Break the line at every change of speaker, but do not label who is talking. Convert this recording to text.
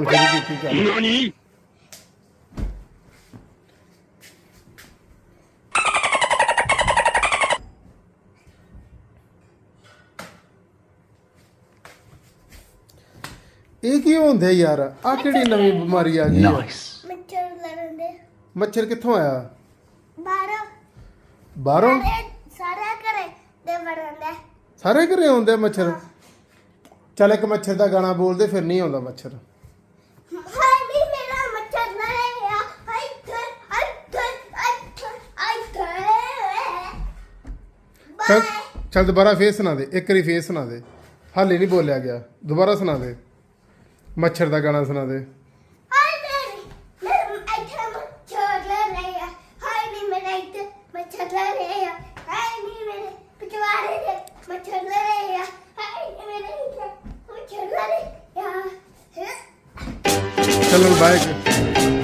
ਸ਼ੁਰੂ ਕੀਤੀ ਗੱਲ। ਇਹ ਕੀ ਹੁੰਦੇ ਯਾਰ? ਆ ਕਿਹੜੀ ਨਵੀਂ ਬਿਮਾਰੀ ਆ ਗਈ ਆ?
ਮੱਛਰ ਲੜਨ ਦੇ।
ਮੱਛਰ ਕਿੱਥੋਂ ਆਇਆ?
ਬਾਹਰੋਂ
ਬਾਹਰੋਂ?
ਸਾਰੇ ਘਰੇ ਦੇ ਵੜਨ ਦੇ।
ਸਾਰੇ ਘਰੇ ਆਉਂਦੇ ਆ ਮੱਛਰ? ਚੱਲ ਇੱਕ ਮੱਛਰ ਦਾ ਗਾਣਾ ਬੋਲਦੇ, ਫਿਰ ਨਹੀਂ ਆਉਂਦਾ ਮੱਛਰ।
ਹਾਏ ਨੀ ਮੇਰਾ ਮੱਛਰ ਲੜਿਆ, ਹਾਏ
ਚੱਲ ਚੱਲ ਦੁਬਾਰਾ ਫੇਰ ਸੁਣਾ ਦੇ, ਇੱਕ ਵਾਰੀ ਫੇਰ ਸੁਣਾ ਦੇ। ਹਾਲੇ ਨਹੀਂ ਬੋਲਿਆ ਗਿਆ, ਦੁਬਾਰਾ ਸੁਣਾ ਦੇ। ਮੱਛਰ ਦਾ ਗਾਣਾ ਸੁਣਾ ਦੇ।
ਹਾਏ ਮੇਰੇ ਇੱਥੇ ਮੱਛਰ ਲੜਿਆ, ਹਾਏ ਨੀ ਮੇਰੇ ਇੱਥੇ ਮੱਛਰ ਲੜਿਆ, ਹਾਏ ਨੀ ਮੇਰੇ ਪਿਛਵਾੜੇ ਦੇ ਮੱਛਰ ਲੜਿਆ, ਹਾਏ ਨੀ ਮੇਰੇ ਇੱਥੇ ਮੱਛਰ ਲੜਿਆ।
ਚਲੋ ਬਾਏ।